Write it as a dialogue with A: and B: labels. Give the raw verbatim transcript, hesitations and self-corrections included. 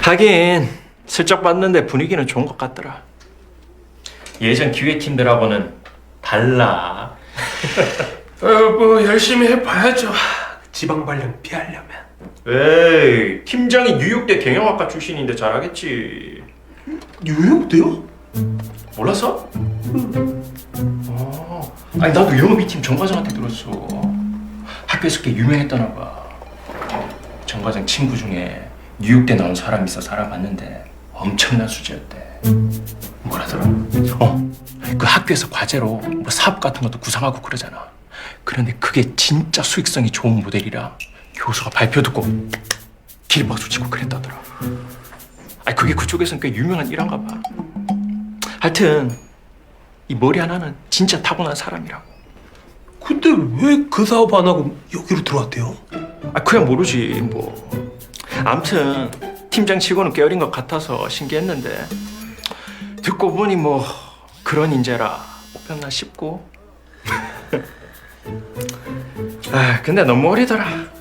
A: 하긴 슬쩍 봤는데 분위기는 좋은 것 같더라. 예전 기획팀들하고는 달라.
B: 어, 뭐 열심히 해봐야죠. 지방 발령 피하려면.
A: 에이, 팀장이 뉴욕대 경영학과 출신인데 잘하겠지.
B: 뉴욕대요?
A: 몰랐어? 어, 아니 나도 영업이팀 정과장한테 들었어. 학교에서 꽤 유명했다나 봐. 정과장 친구 중에 뉴욕대 나온 사람 있어 알아봤는데 엄청난 수지였대.
B: 뭐라더라?
A: 어, 그 학교에서 과제로 뭐 사업 같은 것도 구상하고 그러잖아. 그런데 그게 진짜 수익성이 좋은 모델이라 교수가 발표 듣고 길박수 치고 그랬다더라. 아니 그게 그쪽에서는 꽤 유명한 일환가 봐. 하여튼 이 머리 하나는 진짜 타고난 사람이라고.
B: 근데 왜 그 사업 안 하고 여기로 들어왔대요?
A: 아 그야 모르지 뭐. 암튼 팀장 치고는 꽤 어린 것 같아서 신기했는데 듣고 보니 뭐 그런 인재라 뽑혔나 싶고. 아 근데 너무 어리더라.